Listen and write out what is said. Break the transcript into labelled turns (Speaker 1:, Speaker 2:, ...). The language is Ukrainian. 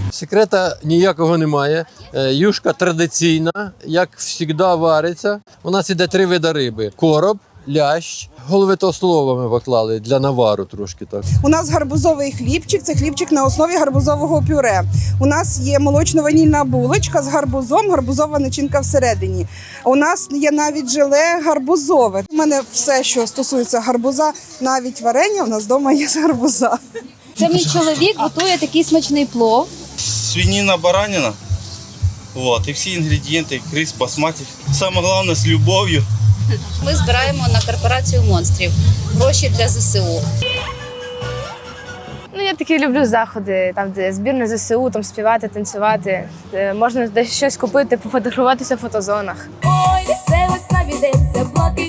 Speaker 1: Секрета ніякого немає. Юшка традиційна, як завжди вариться. У нас іде 3 види риби: короб, лящ. Голови толстолоба ми поклали для навару трошки так.
Speaker 2: У нас гарбузовий хлібчик, це хлібчик на основі гарбузового пюре. У нас є молочно-ванільна булочка з гарбузом, гарбузова начинка всередині. У нас є навіть желе гарбузове. У мене все, що стосується гарбуза, навіть варення у нас вдома є з гарбуза.
Speaker 3: Це мій чоловік готує такий смачний плов.
Speaker 4: Свинина, баранина. Вот, і всі інгредієнти, рис басматі. Саме головне з любов'ю.
Speaker 3: Ми збираємо на корпорацію монстрів гроші для ЗСУ.
Speaker 5: Я такі люблю заходи, там де збір на ЗСУ, там співати, танцювати. Де можна десь щось купити, пофотографуватися в фотозонах.
Speaker 6: Ой, веселость навідеться, блаки